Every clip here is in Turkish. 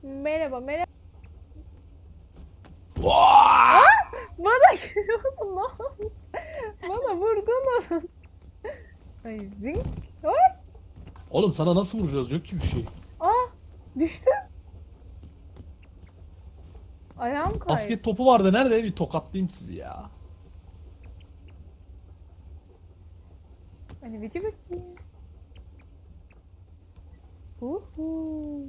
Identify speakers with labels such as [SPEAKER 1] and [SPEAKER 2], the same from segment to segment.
[SPEAKER 1] Merhaba merhaba.
[SPEAKER 2] Vaa!
[SPEAKER 1] Bana gülüyorsun lan. Bana vurdunuz. Ay zing. Ay.
[SPEAKER 2] Oğlum sana nasıl vuracağız? Yok ki bir şey.
[SPEAKER 1] Aa düştüm. Ayağım kaydı.
[SPEAKER 2] Basket topu vardı. Nerede? Bir tokatlayayım sizi ya.
[SPEAKER 1] Hani video bekliyorum. Uhu.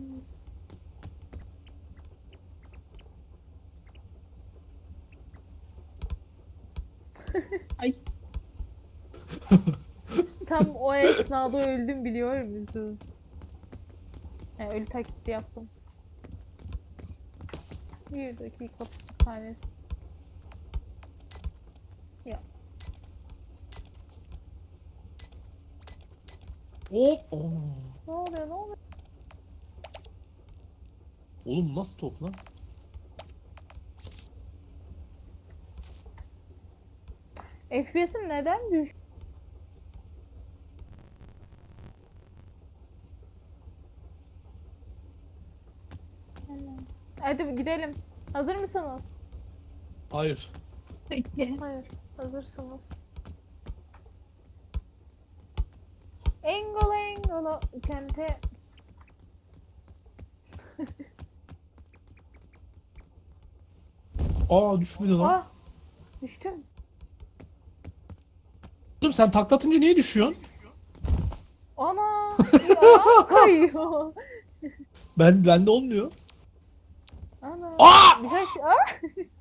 [SPEAKER 3] Ay.
[SPEAKER 1] Tam o esnada öldüm biliyor musun? Yani ölü taklidi yaptım. Bir dakika tanesi. Ya.
[SPEAKER 2] Hop. Oo.
[SPEAKER 1] Ne oluyor ne oluyor?
[SPEAKER 2] Oğlum nasıl top lan?
[SPEAKER 1] FPS'im neden düştü? Hadi gidelim. Hazır mısınız?
[SPEAKER 2] Hayır.
[SPEAKER 3] Peki.
[SPEAKER 1] Hayır. Hazırsınız. Engolo engolo kente.
[SPEAKER 2] Aa düşmedi lan.
[SPEAKER 1] Ah! Düştüm.
[SPEAKER 2] Oğlum sen taklatınca niye düşüyorsun?
[SPEAKER 1] Ana! Ya kayıyor.
[SPEAKER 2] Bende olmuyor.
[SPEAKER 1] Ana!
[SPEAKER 2] Aa!
[SPEAKER 1] Birkaç... Ah!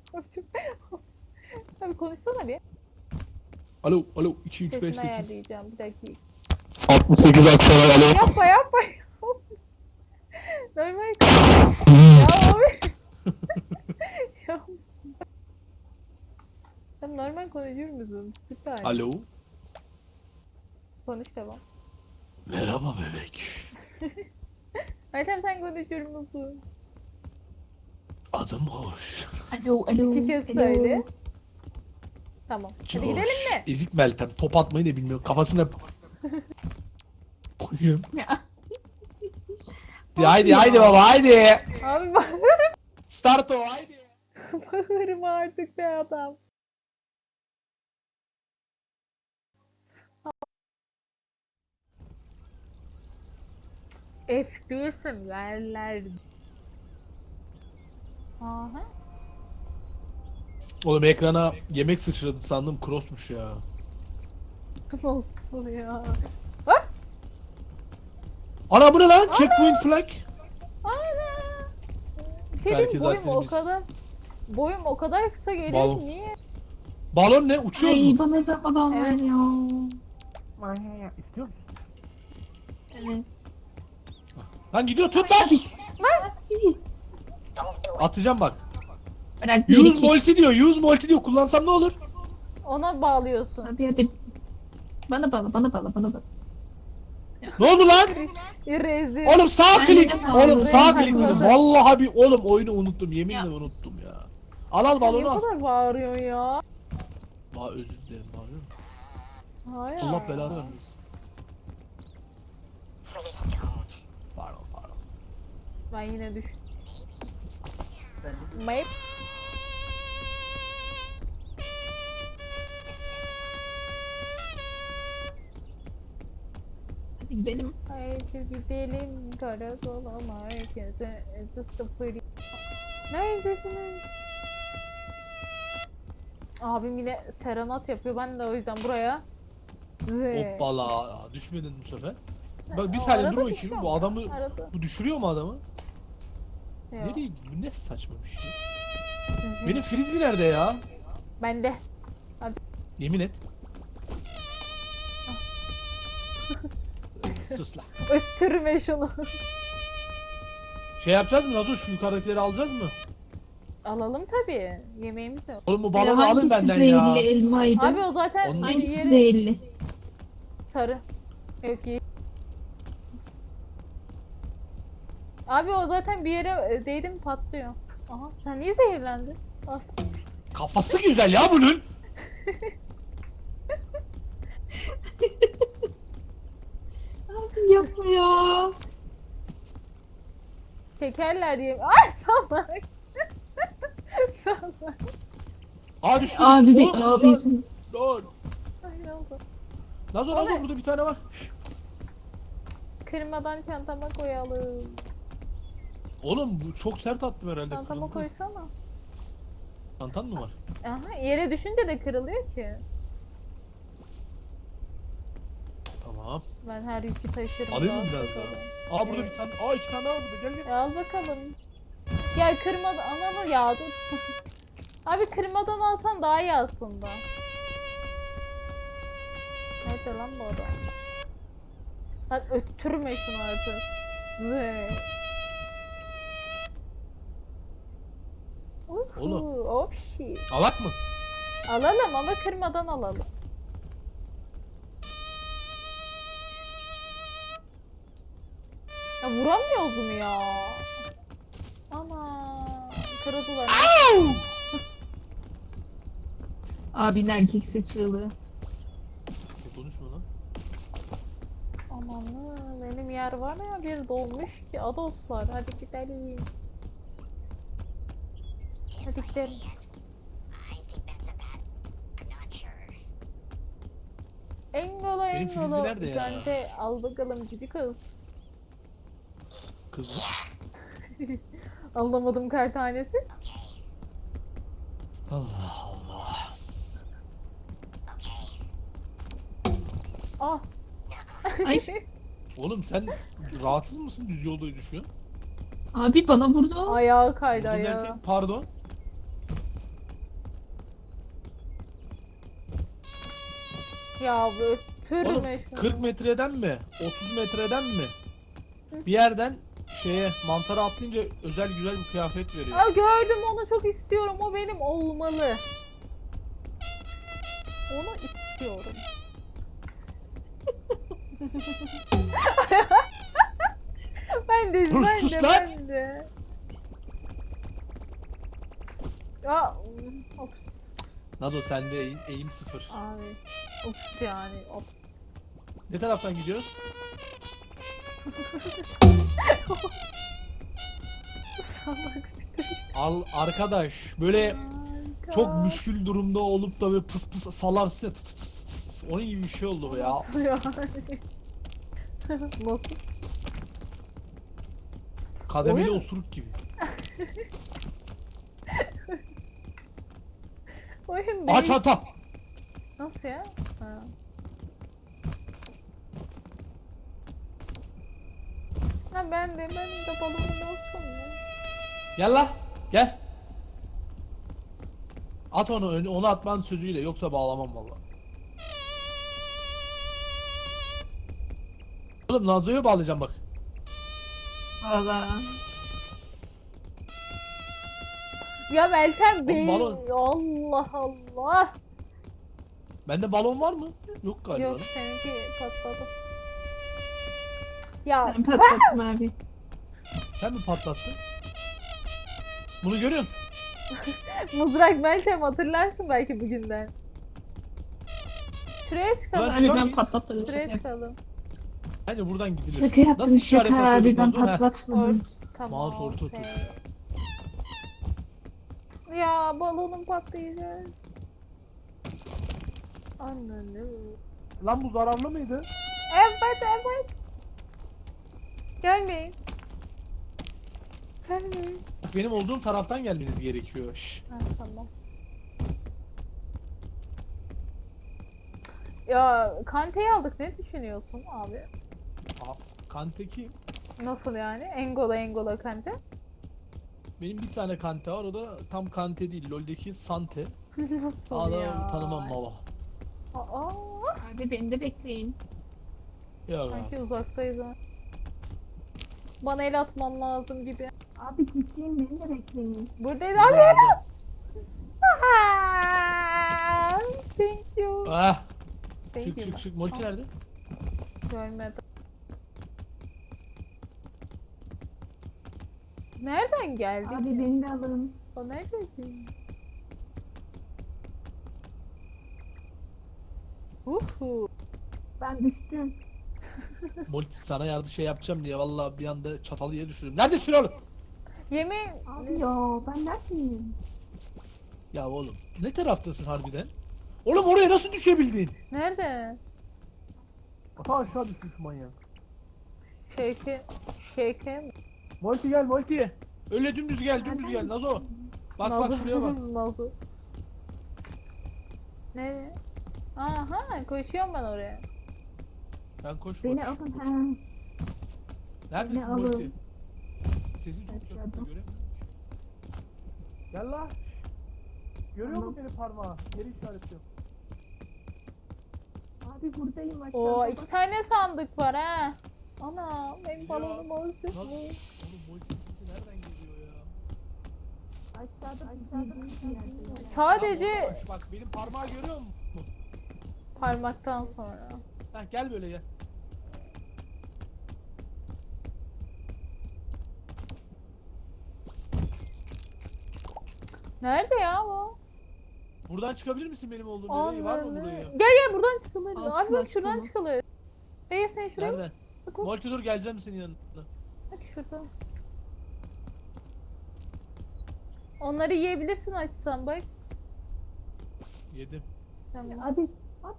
[SPEAKER 1] Abi konuşsana bir.
[SPEAKER 2] Alo 2 3 5
[SPEAKER 1] Sesini
[SPEAKER 2] 8.
[SPEAKER 1] ayarlayacağım. Bir dakika.
[SPEAKER 2] 68 Aksaray alo.
[SPEAKER 1] Yapma yapma. Normal ya abi. Ya. Sen normal konuşur musun? Süper.
[SPEAKER 2] Alo.
[SPEAKER 1] Konuş devam.
[SPEAKER 2] Merhaba bebek.
[SPEAKER 1] Ayten sen konuşur musun?
[SPEAKER 2] Adım hoş.
[SPEAKER 3] Alo, alo.
[SPEAKER 1] İki kez
[SPEAKER 3] alo.
[SPEAKER 1] söyle. Tamam. Hadi
[SPEAKER 2] Coş.
[SPEAKER 1] gidelim mi?
[SPEAKER 2] Ezik Meltem. Top atmayı da bilmiyor. Kafasına koyuyorum.
[SPEAKER 3] Ya.
[SPEAKER 2] Haydi baba haydi.
[SPEAKER 1] Abi bak.
[SPEAKER 2] Start o haydi.
[SPEAKER 1] Bağırma artık be adam. FPS'im yerler. Aha.
[SPEAKER 2] Oğlum ekrana yemek sıçradı sandım crossmuş ya.
[SPEAKER 1] Nasıl ya?
[SPEAKER 2] Ana bu ne lan? Checkpoint flag.
[SPEAKER 1] Ana. Şey
[SPEAKER 2] Herkes
[SPEAKER 1] diyeyim, boyum o
[SPEAKER 2] aktivimiz.
[SPEAKER 1] kadar kısa geliyor
[SPEAKER 2] Balon.
[SPEAKER 1] ki niye?
[SPEAKER 2] Balon ne? Uçuyoruz
[SPEAKER 3] Ay
[SPEAKER 2] mu?
[SPEAKER 3] bana da balon ver
[SPEAKER 1] Evet.
[SPEAKER 3] ya.
[SPEAKER 2] İstiyor musun?
[SPEAKER 3] Evet.
[SPEAKER 2] Lan gidiyor tut lan. Atacağım bak.
[SPEAKER 3] Bırak
[SPEAKER 2] Use multi diyor. Use multi diyor. Kullansam ne olur?
[SPEAKER 1] Ona bağlıyorsun.
[SPEAKER 3] Hadi. Bana bana.
[SPEAKER 2] Ne oldu lan?
[SPEAKER 1] Rezil.
[SPEAKER 2] Oğlum sağ
[SPEAKER 3] Ben
[SPEAKER 2] klik.
[SPEAKER 3] de
[SPEAKER 2] Oğlum
[SPEAKER 3] bağlı.
[SPEAKER 2] sağ
[SPEAKER 1] Ben
[SPEAKER 2] klik.
[SPEAKER 1] takmadım.
[SPEAKER 2] Vallahi bir oğlum oyunu unuttum. Yeminle
[SPEAKER 3] Ya.
[SPEAKER 2] unuttum ya. Al
[SPEAKER 1] Sen niye
[SPEAKER 2] balonu
[SPEAKER 1] bu
[SPEAKER 2] al.
[SPEAKER 1] kadar bağırıyorsun ya?
[SPEAKER 2] Özür dilerim bağırıyorum.
[SPEAKER 1] Hayır.
[SPEAKER 2] Allah belanı vermesin. Pardon.
[SPEAKER 1] Ben yine düştüm. Mayıp.
[SPEAKER 3] Hadi gidelim.
[SPEAKER 1] Haydi gidelim karakola merkeze. Sıfır. Neredesiniz? Abim yine serenat yapıyor. Ben de o yüzden buraya.
[SPEAKER 2] Hoppala. Düşmedin bu sefer. Bak bir
[SPEAKER 1] O
[SPEAKER 2] saniye
[SPEAKER 1] arada
[SPEAKER 2] dur bakayım.
[SPEAKER 1] düşüyor
[SPEAKER 2] Bu
[SPEAKER 1] ama,
[SPEAKER 2] adamı
[SPEAKER 1] arada.
[SPEAKER 2] bu düşürüyor mu adamı?
[SPEAKER 1] Yok.
[SPEAKER 2] Nereye? Bu ne saçma bir şey. Benim frisbee nerede ya?
[SPEAKER 1] Bende.
[SPEAKER 2] Yemin et. Sus lan.
[SPEAKER 1] Öttürme şunu.
[SPEAKER 2] Şey yapacağız mı Nazo? Şu yukarıdakileri alacağız mı?
[SPEAKER 1] Alalım tabii. Yemeğimiz yok.
[SPEAKER 2] Oğlum bu balonu alın
[SPEAKER 3] Hangisi
[SPEAKER 2] benden
[SPEAKER 3] zehirli
[SPEAKER 2] ya.
[SPEAKER 3] elmaydı?
[SPEAKER 1] Abi o zaten
[SPEAKER 2] Onun-
[SPEAKER 3] Hangisi
[SPEAKER 1] yeri
[SPEAKER 3] zehirli?
[SPEAKER 1] sarı. Yok iyi. Abi o zaten bir yere değdi mi patlıyor. Aha sen niye zehirlendin? Aslında.
[SPEAKER 2] Kafası güzel ya bunun.
[SPEAKER 3] Abi yapma ya.
[SPEAKER 1] Çekerler diye. Ay salak. Salak.
[SPEAKER 2] Aa düştü.
[SPEAKER 3] Abi
[SPEAKER 2] düştü.
[SPEAKER 3] bir
[SPEAKER 2] Oğlum,
[SPEAKER 3] abi bizim.
[SPEAKER 2] Lol.
[SPEAKER 1] Ay ne oldu?
[SPEAKER 2] Nazo
[SPEAKER 1] O
[SPEAKER 2] Nazo
[SPEAKER 1] ne?
[SPEAKER 2] burada bir tane var.
[SPEAKER 1] Kırmadan çantama koyalım.
[SPEAKER 2] Oğlum bu çok sert attım herhalde.
[SPEAKER 1] Çantama
[SPEAKER 2] Kırıldı.
[SPEAKER 1] koysana.
[SPEAKER 2] Çantan mı var?
[SPEAKER 1] Aha, yere düşünce de kırılıyor ki.
[SPEAKER 2] Tamam.
[SPEAKER 1] Ben her yükü taşırım.
[SPEAKER 2] Alayım mı
[SPEAKER 1] rahat
[SPEAKER 2] biraz
[SPEAKER 1] bakalım.
[SPEAKER 2] daha? Aa burada bir tane. Aa iki tane daha var burada. Gel gel.
[SPEAKER 1] Al bakalım. Gel kırmadan ananı ya dur. Abi kırmadan alsan daha iyi aslında. Nerede lan bu adam? Lan öttürme şunu artık. Zı.
[SPEAKER 2] Oğlum.
[SPEAKER 1] Hop shit.
[SPEAKER 2] Alak mı?
[SPEAKER 1] Alalım ama kırmadan alalım. Ya vuramıyoruz mu ya? Ana kırıldılar.
[SPEAKER 3] Abinin erkek seçiyordu.
[SPEAKER 2] Konuşma lan.
[SPEAKER 1] Amanı benim yer var ya bir dolmuş ki adoslar hadi gidelim. Hadi gidelim. Engolo
[SPEAKER 2] Benim frisbee
[SPEAKER 1] engolo.
[SPEAKER 2] nerede ya?
[SPEAKER 1] Gante al bakalım cici kız.
[SPEAKER 2] Kız mı?
[SPEAKER 1] Anlamadım kar tanesi.
[SPEAKER 2] Allah Allah.
[SPEAKER 1] Ah.
[SPEAKER 3] Ay.
[SPEAKER 2] Oğlum sen rahatsız mısın? Düz yolda düşüyorsun.
[SPEAKER 3] Abi bana vurdu.
[SPEAKER 1] Ayağı kaydı
[SPEAKER 2] Vurdun
[SPEAKER 1] ayağı.
[SPEAKER 2] derken, pardon.
[SPEAKER 1] Ya bu
[SPEAKER 2] Oğlum
[SPEAKER 1] öttürme şunu.
[SPEAKER 2] 40 metreden mi? 30 metreden mi? Bir yerden şeye mantara atlayınca özel güzel bir kıyafet veriyor.
[SPEAKER 1] Aa, gördüm onu çok istiyorum. O benim olmalı. Onu istiyorum. ben de
[SPEAKER 2] Dur,
[SPEAKER 1] ben
[SPEAKER 2] sus
[SPEAKER 1] de
[SPEAKER 2] lan!
[SPEAKER 1] ben de. Ya ops
[SPEAKER 2] Nazo sende eğim sıfır.
[SPEAKER 1] abi. Ops yani ops.
[SPEAKER 2] Ne taraftan gidiyoruz?
[SPEAKER 1] Salak
[SPEAKER 2] Al arkadaş böyle
[SPEAKER 1] Harika.
[SPEAKER 2] çok müşkül durumda olup da böyle pıs pıs salarsın ya, tıs tıs tıs tıs. Onun gibi bir şey oldu bu ya.
[SPEAKER 1] Nasıl yani? Nasıl?
[SPEAKER 2] Kademeli
[SPEAKER 1] Oyun-
[SPEAKER 2] osuruk gibi.
[SPEAKER 1] Oyun
[SPEAKER 2] Aa
[SPEAKER 1] değil.
[SPEAKER 2] çanta.
[SPEAKER 1] Nasıl ya? Ha. Ha ben de balonum olsun ya.
[SPEAKER 2] Gel la. Gel. At onu atman sözüyle yoksa bağlamam valla. Oğlum Nazo'yu bağlayacağım bak.
[SPEAKER 3] Valla.
[SPEAKER 1] Ya Meltem Bey.
[SPEAKER 2] balon.
[SPEAKER 1] Allah Allah.
[SPEAKER 2] Bende balon var mı? Yok galiba.
[SPEAKER 1] Yok seninki patladı. Ya
[SPEAKER 3] Ben patlattım abi.
[SPEAKER 2] Sen mi patlattın? Bunu görüyor musun?
[SPEAKER 1] mızrak Meltem hatırlarsın belki bugünden. Şuraya çıkalım.
[SPEAKER 2] Ulan
[SPEAKER 3] Abi
[SPEAKER 2] Şaka-
[SPEAKER 3] ben patlatmadım.
[SPEAKER 1] Şuraya
[SPEAKER 3] Şaka yaptım.
[SPEAKER 1] çıkalım.
[SPEAKER 2] Bence buradan gidilir.
[SPEAKER 3] Şaka yaptım
[SPEAKER 2] Nasıl işaret
[SPEAKER 3] şaka.
[SPEAKER 2] atıyorduk
[SPEAKER 3] Birden
[SPEAKER 2] Nazo? Heh.
[SPEAKER 3] patlatmadım.
[SPEAKER 1] Tamam.
[SPEAKER 2] Mouse orta
[SPEAKER 1] okey.
[SPEAKER 2] tuş.
[SPEAKER 1] Ya balonum patlayacak. Ananı.
[SPEAKER 2] Lan bu zararlı mıydı?
[SPEAKER 1] Evet. Gelmeyin. Gelmeyin.
[SPEAKER 2] Benim olduğum taraftan gelmeniz gerekiyor. Şş.
[SPEAKER 1] Ha, tamam. Ya Kante'yi aldık ne düşünüyorsun abi?
[SPEAKER 2] Kante kim?
[SPEAKER 1] Nasıl yani? Engola Kante.
[SPEAKER 2] Benim bir tane Kante var, o da tam Kante değil. LoL'deki Sante.
[SPEAKER 1] Nasıl
[SPEAKER 2] Adam
[SPEAKER 1] ya?
[SPEAKER 2] tanımam baba.
[SPEAKER 1] Aa,
[SPEAKER 3] Abi beni de bekleyin.
[SPEAKER 2] Ya
[SPEAKER 1] sanki uzaktayız ha. Bana el atman lazım gibi.
[SPEAKER 3] Abi gittiğim beni de bekleyin.
[SPEAKER 1] Buradayız abi. Aa, thank you.
[SPEAKER 2] Ah,
[SPEAKER 1] Thank you.
[SPEAKER 2] çık. Molki nerede?
[SPEAKER 1] Görmedim. Nereden geldi
[SPEAKER 3] Abi
[SPEAKER 1] ki?
[SPEAKER 3] beni de alın.
[SPEAKER 1] O nerede ki? Uhu.
[SPEAKER 3] Ben düştüm.
[SPEAKER 2] Molki sana yardım şey yapacağım diye vallahi bir anda çatalı yere düşürdüm. Neredesin oğlum?
[SPEAKER 1] Yemeği...
[SPEAKER 3] Abi ya ben neredeyim?
[SPEAKER 2] Ya oğlum ne taraftasın harbiden? Oğlum oraya nasıl düşebildin?
[SPEAKER 1] Nerede?
[SPEAKER 2] Ata aşağı düştü şu manyak.
[SPEAKER 1] Şeke...
[SPEAKER 2] Multi gel Multi. Öyle dümdüz gel dümdüz gel Nazo. Bak bak şuraya bak.
[SPEAKER 1] Nasıl? Nereye? Aha koşuyorum ben oraya.
[SPEAKER 2] Ben koş
[SPEAKER 3] Beni
[SPEAKER 2] koş.
[SPEAKER 3] alın
[SPEAKER 2] koş.
[SPEAKER 3] ha.
[SPEAKER 2] Neredesin
[SPEAKER 3] beni alın.
[SPEAKER 2] Multi? Sesin çok yakında
[SPEAKER 3] Aşağıda.
[SPEAKER 2] göremiyorum ki. Gel la. Görüyor musun beni parmağı? Yeri işaretliyorum.
[SPEAKER 3] Abi buradayım aşağıda.
[SPEAKER 1] Oo
[SPEAKER 3] bak.
[SPEAKER 1] 2 tane sandık var ha. Ana benim
[SPEAKER 2] Ya.
[SPEAKER 1] balonum olsun.
[SPEAKER 2] Nasıl? Oğlum Multi sesi nereden geliyor ya?
[SPEAKER 3] Aşağıda bir yerde.
[SPEAKER 1] Sadece
[SPEAKER 2] Ya bak benim parmağı görüyor musun?
[SPEAKER 1] parmaktan sonra.
[SPEAKER 2] Heh, gel böyle gel.
[SPEAKER 1] Nerede ya bu?
[SPEAKER 2] Buradan çıkabilir misin benim olduğum yere? Var mı
[SPEAKER 1] Anladım.
[SPEAKER 2] buraya?
[SPEAKER 1] Gel gel buradan çıkılır.
[SPEAKER 3] Aslında
[SPEAKER 1] Abi bak şuradan
[SPEAKER 3] çıkalım.
[SPEAKER 1] çıkılır. Beyaz sen şuraya
[SPEAKER 2] Nereden?
[SPEAKER 1] bak.
[SPEAKER 2] Multi dur geleceğim senin yanına.
[SPEAKER 1] Bak şurada. Onları yiyebilirsin açsan bak.
[SPEAKER 2] Yedim.
[SPEAKER 1] Tamam.
[SPEAKER 3] Abi. Abi.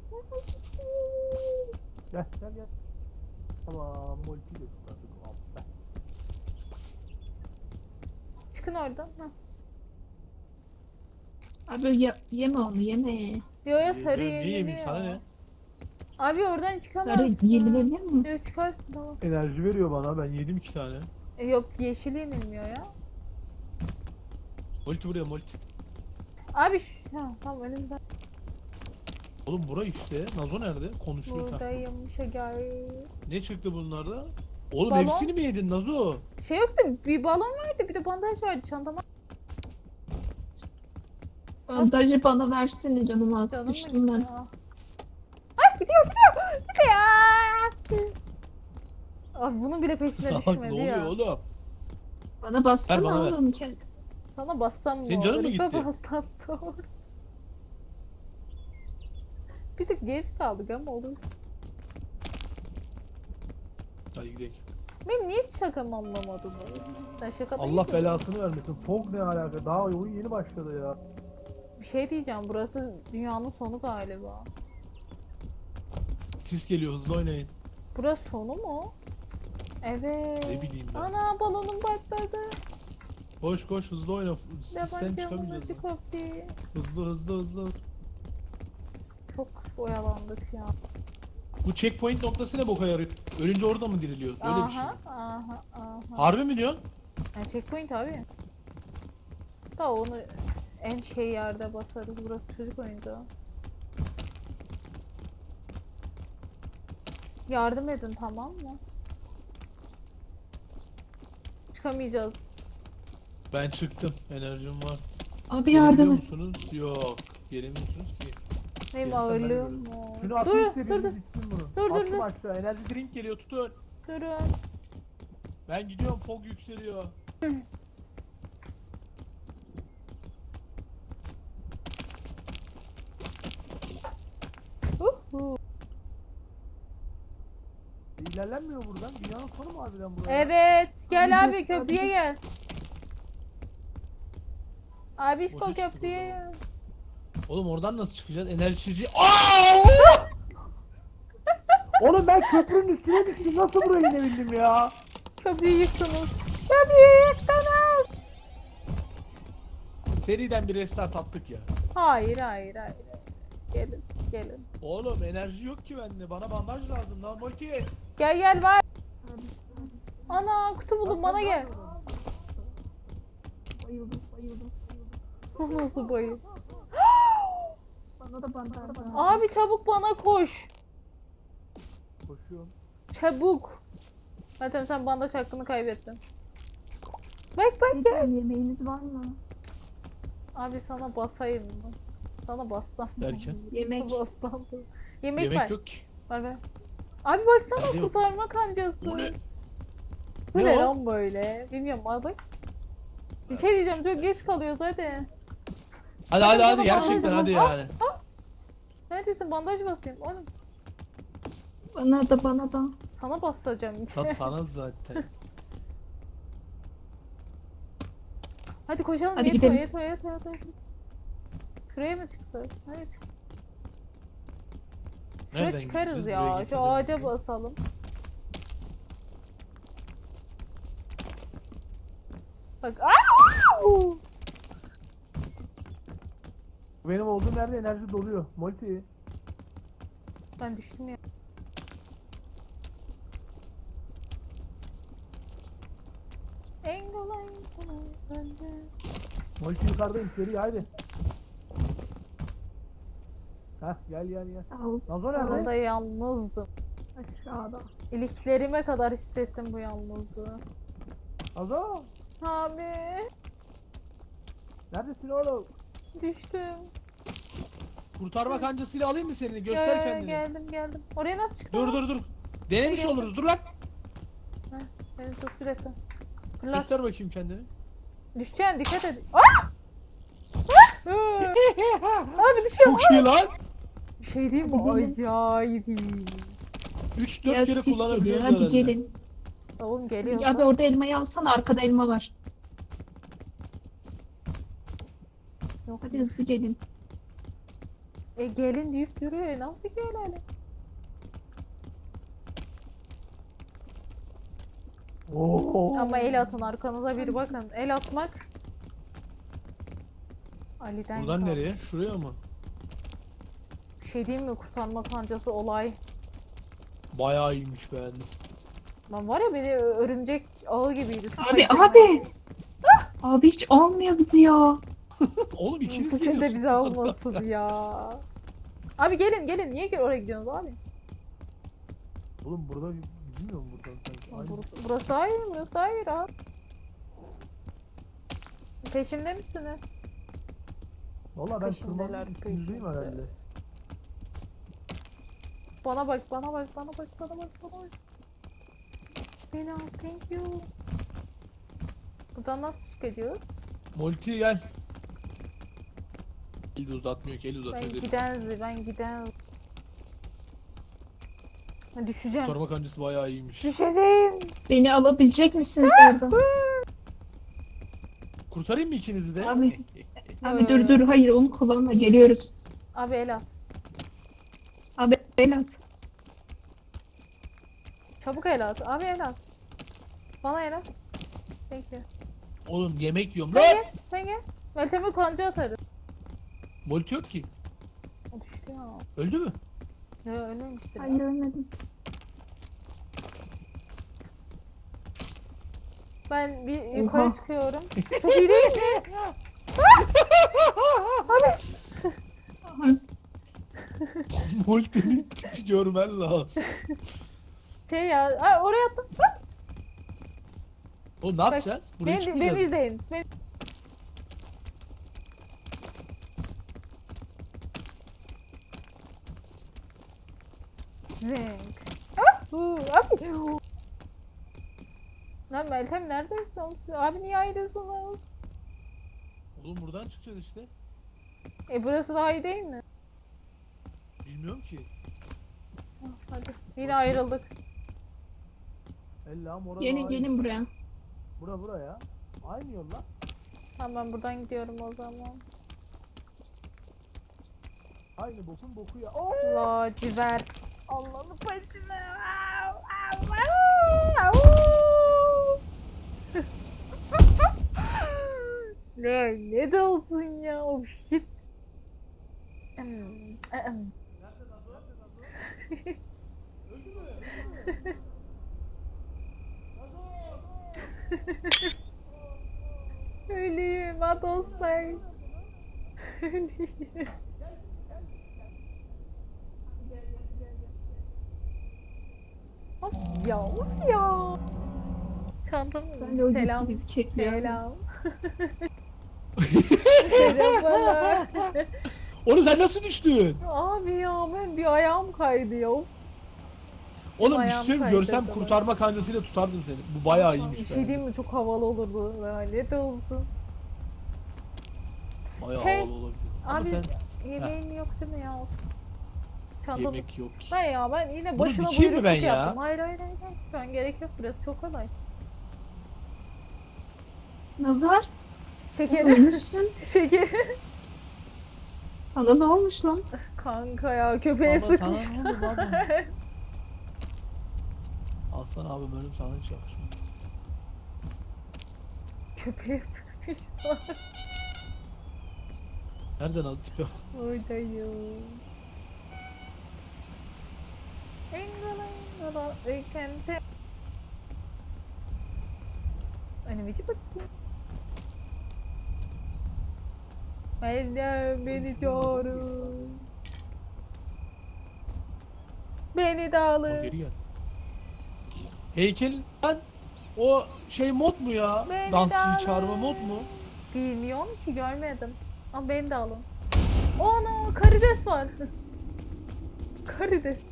[SPEAKER 2] Gel gel gel. Tamam Multi de tutardık. Al.
[SPEAKER 1] Çıkın oradan. Heh.
[SPEAKER 3] Abi yeme onu yeme.
[SPEAKER 1] Yo yo sarı
[SPEAKER 2] Niye yemeyeyim
[SPEAKER 1] yeniliyor.
[SPEAKER 2] sana ne?
[SPEAKER 1] Abi oradan
[SPEAKER 3] Sarı
[SPEAKER 1] çıkamazsın.
[SPEAKER 3] yenilebilir mi?
[SPEAKER 1] Yo çıkarsın tamam.
[SPEAKER 2] Enerji veriyor bana. Ben yedim 2 tane.
[SPEAKER 1] Yok yeşil yenilmiyor ya.
[SPEAKER 2] Multi buraya Multi.
[SPEAKER 1] Abi tamam önümden.
[SPEAKER 2] Oğlum bura işte. Nazo nerede? Konuşuyor. Ha.
[SPEAKER 1] Buradayım şeker.
[SPEAKER 2] Ne çıktı bunlarda? Oğlum
[SPEAKER 1] Balon.
[SPEAKER 2] hepsini mi yedin Nazo?
[SPEAKER 1] Şey yoktu bir balon vardı bir de bandaj vardı çantama.
[SPEAKER 3] Bandajı bana versene canım az.
[SPEAKER 1] Canım
[SPEAKER 3] Düştüm
[SPEAKER 1] benim
[SPEAKER 3] ben.
[SPEAKER 1] ya. Ay gidiyor. Gidiyor. Abi bunun bile peşine
[SPEAKER 2] Salak
[SPEAKER 1] düşmedi
[SPEAKER 2] ne oluyor
[SPEAKER 1] ya.
[SPEAKER 2] oğlum?
[SPEAKER 3] Bana bassana
[SPEAKER 2] bana ver.
[SPEAKER 3] oğlum.
[SPEAKER 1] Sana bassam mı
[SPEAKER 2] Senin canın mı
[SPEAKER 1] olur?
[SPEAKER 2] gitti?
[SPEAKER 1] Bassam da olur. Bir tık geç kaldık ama olur.
[SPEAKER 2] Hadi gidelim.
[SPEAKER 1] Benim niye hiç şakamı anlamadın? Sen şaka değil
[SPEAKER 2] Allah
[SPEAKER 1] mi?
[SPEAKER 2] belasını vermesin. Fog ne alaka? Daha oyun yeni başladı ya.
[SPEAKER 1] Bir şey diyeceğim burası dünyanın sonu galiba.
[SPEAKER 2] Sis geliyor hızlı oynayın.
[SPEAKER 1] Burası sonu mu? Evet.
[SPEAKER 2] Ne bileyim ben.
[SPEAKER 1] Ana balonum patladı.
[SPEAKER 2] Koş koş hızlı oyna. Sisten
[SPEAKER 1] Yabancı
[SPEAKER 2] çıkamayacağız.
[SPEAKER 1] acı koptu.
[SPEAKER 2] Hızlı hızlı hızlı.
[SPEAKER 1] Çok oyalandık ya.
[SPEAKER 2] Bu checkpoint noktası ne boka yarıyor? Ölünce orada mı diriliyoruz? Öyle bir şey.
[SPEAKER 1] Aha, aha, aha.
[SPEAKER 2] Harbi mi diyorsun?
[SPEAKER 1] Yani checkpoint abi. Da onu en şey yerde basarız. Burası çocuk oyuncağı. Yardım edin tamam mı? Çıkamayacağız.
[SPEAKER 2] Ben çıktım. Enerjim var.
[SPEAKER 3] Abi yardım
[SPEAKER 2] Gelebiliyor
[SPEAKER 3] et.
[SPEAKER 2] musunuz? Yok. Gelemiyorsunuz ki.
[SPEAKER 1] Benim
[SPEAKER 2] Gelsen ben
[SPEAKER 1] ağırlığım
[SPEAKER 2] görürüm.
[SPEAKER 1] var.
[SPEAKER 2] Şunu
[SPEAKER 1] Dur
[SPEAKER 2] atayım
[SPEAKER 1] dur
[SPEAKER 2] size
[SPEAKER 1] dur.
[SPEAKER 2] bitsin bunu.
[SPEAKER 1] Dur, dur,
[SPEAKER 2] Attım
[SPEAKER 1] dur.
[SPEAKER 2] aşağı. Enerji drink geliyor tutun.
[SPEAKER 1] Durun.
[SPEAKER 2] Ben gidiyorum fog yükseliyor.
[SPEAKER 1] Uhu.
[SPEAKER 2] İlerlenmiyor buradan. Dünyanın sonu mu harbiden buraya?
[SPEAKER 1] Evet. Gel
[SPEAKER 3] Abi,
[SPEAKER 1] abi
[SPEAKER 3] dur,
[SPEAKER 1] köprüye
[SPEAKER 3] abi.
[SPEAKER 1] gel. Abi
[SPEAKER 2] Boşa
[SPEAKER 1] İsko
[SPEAKER 2] çıktık o
[SPEAKER 1] köprüye
[SPEAKER 2] zaman.
[SPEAKER 1] gel.
[SPEAKER 2] Oğlum oradan nasıl çıkacağız? Enerjici... Oğlum ben köprünün üstüne düştüm. Nasıl buraya inebildim ya?
[SPEAKER 1] Köprüyü yıktınız. Köprüyü yıktınız.
[SPEAKER 2] Seriden bir restart attık ya.
[SPEAKER 1] Hayır hayır hayır. Gelin gelin.
[SPEAKER 2] Oğlum enerji yok ki bende. Bana bandaj lazım lan Molki.
[SPEAKER 1] Gel gel var. Ana kutu buldum bana gel.
[SPEAKER 3] Bayıldım bayıldım.
[SPEAKER 1] Bu nasıl bayım?
[SPEAKER 3] Bana da bandaj ver.
[SPEAKER 1] Abi çabuk bana koş.
[SPEAKER 2] Koşuyorum.
[SPEAKER 1] Çabuk. Zaten sen bandaj hakkını kaybettin. Bak bak gel.
[SPEAKER 3] Lütfen yemeğiniz var mı?
[SPEAKER 1] Abi sana basayım mı? Sana bassam.
[SPEAKER 2] Derken?
[SPEAKER 3] Yemek.
[SPEAKER 1] Bastam. Yemek,
[SPEAKER 2] Yemek
[SPEAKER 1] var.
[SPEAKER 2] yok ki.
[SPEAKER 1] Ver ver. Abi baksana
[SPEAKER 2] Nerede yok?
[SPEAKER 1] kurtarma kancası.
[SPEAKER 2] Bu ne?
[SPEAKER 1] Bu
[SPEAKER 2] Ne
[SPEAKER 1] ne
[SPEAKER 2] o?
[SPEAKER 1] lan böyle? Bilmiyorum al bak. Bir şey diyeceğim çok geç kalıyoruz hadi.
[SPEAKER 2] Hadi
[SPEAKER 1] Bana
[SPEAKER 2] hadi hadi
[SPEAKER 1] bandaj
[SPEAKER 2] gerçekten
[SPEAKER 1] lazım.
[SPEAKER 2] hadi yani.
[SPEAKER 1] Neredesin bandaj basayım oğlum.
[SPEAKER 3] Bana da bana da.
[SPEAKER 1] Sana basacağım.
[SPEAKER 2] Sana zaten.
[SPEAKER 1] Hadi koşalım.
[SPEAKER 3] Hadi
[SPEAKER 1] Yeto,
[SPEAKER 3] gidelim.
[SPEAKER 1] yeto, yeto, yeto. Şuraya mı çıksak? Hadi. Şuraya
[SPEAKER 2] Nereden
[SPEAKER 1] çıkarız
[SPEAKER 2] gideceğiz?
[SPEAKER 1] ya.
[SPEAKER 2] Buraya
[SPEAKER 1] Şu
[SPEAKER 2] getirdim
[SPEAKER 1] ağaca
[SPEAKER 2] bizi.
[SPEAKER 1] basalım. Bak. Aa!
[SPEAKER 2] Benim olduğum yerde enerji doluyor. Multi.
[SPEAKER 1] Ben düştüm ya. Engolay bende.
[SPEAKER 2] Multi yukarıdayım. Seri haydi. Heh gel gel gel.
[SPEAKER 3] Al
[SPEAKER 2] Nazo
[SPEAKER 1] Orada
[SPEAKER 2] nerede?
[SPEAKER 1] yalnızdım.
[SPEAKER 3] aşağıda.
[SPEAKER 1] İliklerime kadar hissettim bu yalnızlığı.
[SPEAKER 2] Nazo!
[SPEAKER 1] Abi
[SPEAKER 2] Neredesin oğlum?
[SPEAKER 1] düştüm.
[SPEAKER 2] Kurtarma kancasıyla alayım mı seni?
[SPEAKER 1] Ya,
[SPEAKER 2] Göster kendini.
[SPEAKER 1] geldim. Oraya nasıl çıktın?
[SPEAKER 2] Dur. Denemiş
[SPEAKER 1] Gel.
[SPEAKER 2] oluruz. Dur lan.
[SPEAKER 1] Beni tut bir dakika. Fırlat.
[SPEAKER 2] Göster bakayım kendini.
[SPEAKER 1] Düşeceksin dikkat et. Ah! Abi düşüyorum.
[SPEAKER 2] Çok iyi lan.
[SPEAKER 1] Bir şey diyeyim mi? Acayip iyi.
[SPEAKER 2] 3-4
[SPEAKER 3] Ya
[SPEAKER 2] kere
[SPEAKER 3] sis geliyor.
[SPEAKER 2] kullanabiliyoruz
[SPEAKER 3] Hadi
[SPEAKER 2] herhalde.
[SPEAKER 3] gelin.
[SPEAKER 1] Oğlum geliyor.
[SPEAKER 3] Abi orada elmayı alsana. Arkada elma var.
[SPEAKER 1] Yok.
[SPEAKER 3] Hadi hızlı gelin.
[SPEAKER 1] Gelin deyip duruyor. Nasıl gelelim?
[SPEAKER 2] Oo.
[SPEAKER 1] Ama el atın arkanıza bir bakın. El atmak Ali'den
[SPEAKER 2] Buradan
[SPEAKER 1] kaldı.
[SPEAKER 2] nereye? Şuraya mı?
[SPEAKER 1] Bir şey diyeyim mi? Kurtarma kancası olay.
[SPEAKER 2] Bayağı iyiymiş beğendim.
[SPEAKER 1] Lan var ya beni örümcek ağı gibiydi.
[SPEAKER 3] Abi abi. Abi hiç almıyor bizi ya.
[SPEAKER 2] Oğlum ikiniz
[SPEAKER 1] Bugün de
[SPEAKER 2] geliyorsunuz.
[SPEAKER 1] bize almasın ya. Abi gelin. Niye oraya gidiyorsunuz abi?
[SPEAKER 2] Oğlum burada bilmiyor mu buradan sanki? Aynı.
[SPEAKER 1] Burası hayır, burası hayır abi. Peşimde misiniz?
[SPEAKER 2] Valla ben
[SPEAKER 1] Peşimdeler,
[SPEAKER 2] tırmanın üstündeyim
[SPEAKER 1] peşimde.
[SPEAKER 2] herhalde.
[SPEAKER 1] Bana bak. Beni al, thank you. Buradan nasıl çıkıyoruz?
[SPEAKER 2] Multi gel. El de uzatmıyor ki, el
[SPEAKER 1] Ben
[SPEAKER 2] uzatıyor.
[SPEAKER 1] ben giden. Ha, düşeceğim.
[SPEAKER 2] Kurtarma kancası bayağı iyiymiş.
[SPEAKER 1] Düşeceğim.
[SPEAKER 3] Beni alabilecek misiniz oradan?
[SPEAKER 2] Kurtarayım mı ikinizi de?
[SPEAKER 3] Abi. Abi dur. Hayır onu kullanma. Geliyoruz.
[SPEAKER 1] Abi el at.
[SPEAKER 3] Abi el at.
[SPEAKER 1] Çabuk el at. Abi el at. Bana el at. Thank you.
[SPEAKER 2] Oğlum yemek yiyorum
[SPEAKER 1] Sen
[SPEAKER 2] lan.
[SPEAKER 1] gel. Sen gel. Meltem'e kanca atarız.
[SPEAKER 2] Multi yok ki.
[SPEAKER 1] O düştü ya.
[SPEAKER 2] Öldü mü?
[SPEAKER 1] Ya ölmemiştir.
[SPEAKER 3] Hayır ölmedim.
[SPEAKER 1] Ben bir
[SPEAKER 3] Oha.
[SPEAKER 1] yukarı çıkıyorum. Çok iyi değil mi?
[SPEAKER 3] Aha.
[SPEAKER 2] Multi'nin tipi görmen lazım.
[SPEAKER 1] Şey ya. Aa, oraya attım.
[SPEAKER 2] Oğlum ne yapacağız? Buraya
[SPEAKER 1] Beni
[SPEAKER 2] çıkmayacağız.
[SPEAKER 1] izleyin. Zink. Abi. Lan Meltem neredesin? Abi niye ayrısınız?
[SPEAKER 2] Oğlum buradan çıkacağız işte.
[SPEAKER 1] Burası daha iyi değil mi?
[SPEAKER 2] Bilmiyorum ki.
[SPEAKER 1] Hadi. Yine ayrıldık.
[SPEAKER 2] Ellam orada.
[SPEAKER 3] Gelin buraya.
[SPEAKER 2] Bura ya. Aynı yol lan.
[SPEAKER 1] Tamam ben buradan gidiyorum o zaman.
[SPEAKER 2] Aynı bokun boku ya.
[SPEAKER 1] Lacivert. Allah'ını başına. Ne de olsun ya. Of shit. Öleyim ha dostlar. Öleyim. Of ya. Çantam
[SPEAKER 3] Ben de o
[SPEAKER 1] selam.
[SPEAKER 3] gibi çekiyorum.
[SPEAKER 1] Selam. Merhabalar.
[SPEAKER 2] Oğlum sen nasıl düştün?
[SPEAKER 1] Abi ya ben bir ayağım kaydı ya. Of.
[SPEAKER 2] Oğlum bir
[SPEAKER 1] Ayağım
[SPEAKER 2] şey söyleyeyim, görsem
[SPEAKER 1] kaydı
[SPEAKER 2] kurtarma kancasıyla tutardım seni. Bu bayağı
[SPEAKER 1] Bir
[SPEAKER 2] iyiymiş.
[SPEAKER 1] şey diyeyim mi? Çok havalı olurdu. Ne de olsun.
[SPEAKER 2] Bayağı
[SPEAKER 1] Şey,
[SPEAKER 2] havalı olabilir. Ama
[SPEAKER 1] Abi
[SPEAKER 2] sen
[SPEAKER 1] yemeğin yok değil mi ya? Çantam.
[SPEAKER 2] yemek yok ki.
[SPEAKER 1] Ben yine
[SPEAKER 2] Bunu
[SPEAKER 1] başına
[SPEAKER 2] dikeyim mi
[SPEAKER 1] buyruk
[SPEAKER 2] ben ya?
[SPEAKER 1] yaptım. Hayır. Şu an gerek yok. Burası çok kolay.
[SPEAKER 3] Nazar.
[SPEAKER 1] Şekeri.
[SPEAKER 3] Ölmüşsün.
[SPEAKER 1] Şekeri.
[SPEAKER 3] Sana ne olmuş lan?
[SPEAKER 1] Kanka ya köpeğe
[SPEAKER 2] Baba sana ne
[SPEAKER 1] sıkmışlar.
[SPEAKER 2] oldu baba? Alsana abi bölüm sana hiç yakışmıyor.
[SPEAKER 1] Köpeğe sıkmışlar.
[SPEAKER 2] Nereden atıyor?
[SPEAKER 1] Oradayım. Engala weekend'e. Önümüzü bakayım. Benden beni çağırın. Beni de
[SPEAKER 2] O
[SPEAKER 1] alın.
[SPEAKER 2] geri gel. Heykel lan o şey mod mu ya?
[SPEAKER 1] Beni de
[SPEAKER 2] Dansçıyı
[SPEAKER 1] alın.
[SPEAKER 2] çağırma mod mu?
[SPEAKER 1] Bilmiyorum ki görmedim. Ama beni de alın. Ana karides var. Karides.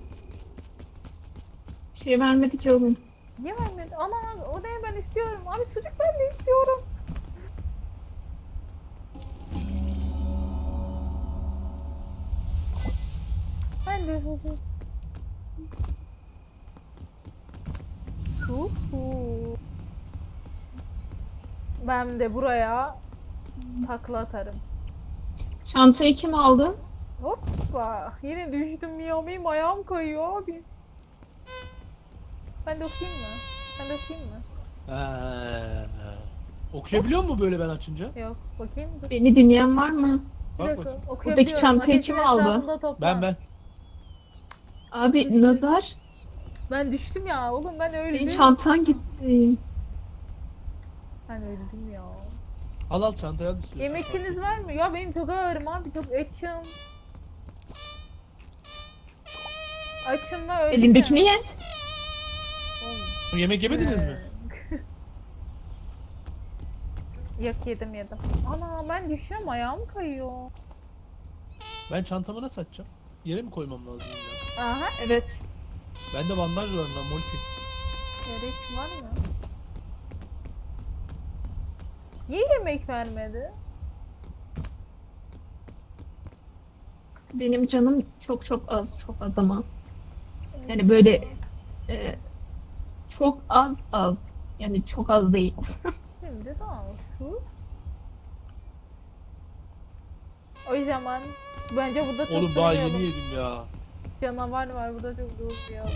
[SPEAKER 3] Şey vermedi ki oğlum.
[SPEAKER 1] Niye vermedi? Ana o ne ben istiyorum. Abi sucuk ben de istiyorum. Ben de sucuk. Uhu. Ben de buraya takla atarım.
[SPEAKER 3] Çantayı kim aldı?
[SPEAKER 1] Hoppa. Yine düştüm ya. Benim ayağım kayıyor abi. Ben de okuyayım mı? Ben de okuyayım mı?
[SPEAKER 2] Okuyabiliyor mu böyle ben açınca?
[SPEAKER 1] Yok. Bakayım. Dur.
[SPEAKER 3] Beni dinleyen var mı?
[SPEAKER 1] Bir
[SPEAKER 2] Bak
[SPEAKER 1] dakika.
[SPEAKER 2] bakayım.
[SPEAKER 1] Okuyabiliyorum.
[SPEAKER 3] çantayı
[SPEAKER 1] Ateşin
[SPEAKER 3] kim aldı?
[SPEAKER 1] etrafında toplan.
[SPEAKER 2] Ben.
[SPEAKER 3] Abi nazar.
[SPEAKER 1] Ben düştüm ya. Oğlum ben
[SPEAKER 3] Senin
[SPEAKER 1] öldüm.
[SPEAKER 3] çantan gitti.
[SPEAKER 1] Ben öldüm ya.
[SPEAKER 2] Al çantayı al istiyorsan.
[SPEAKER 1] Yemekiniz var mı? Ya benim çok ağırım abi. Çok açım. Açım ve öleceğim.
[SPEAKER 3] Elindekini ye.
[SPEAKER 1] Oğlum.
[SPEAKER 2] Yemek yemediniz mi?
[SPEAKER 1] Yok yedim. Ana ben düşüyorum ayağım kayıyor.
[SPEAKER 2] Ben çantamı nasıl açacağım? Yere mi koymam lazım illa?
[SPEAKER 1] Aha.
[SPEAKER 3] Evet.
[SPEAKER 2] Bende bandaj var lan multi.
[SPEAKER 1] Gerek var mı? Niye yemek vermedi?
[SPEAKER 3] Benim canım çok az ama. Yani böyle çok az. Yani çok az değil.
[SPEAKER 1] Şimdi dansı. O zaman bence burada çok
[SPEAKER 2] Oğlum daha
[SPEAKER 1] durmayalım.
[SPEAKER 2] yeni yedim ya.
[SPEAKER 1] Canavar var burada çok durmayalım.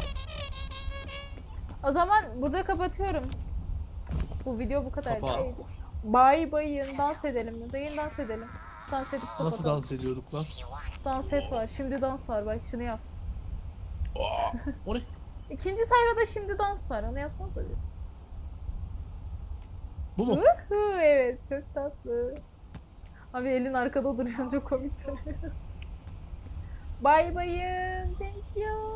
[SPEAKER 1] O zaman burada kapatıyorum. Bu video bu kadar.
[SPEAKER 2] Kapa.
[SPEAKER 1] Bye bye dans edelim mi? Dayın dans edelim. Dans edip kapatalım.
[SPEAKER 2] Nasıl dans ediyorduk lan?
[SPEAKER 1] Dans et var. Şimdi dans var. Bak şunu yap.
[SPEAKER 2] Aa, o ne?
[SPEAKER 1] İkinci sayfada şimdi dans var. Onu yapsana tabii.
[SPEAKER 2] Bu mu?
[SPEAKER 1] Evet çok tatlı. Abi elin arkada duruyor çok komik duruyor. Bye bye. Thank you.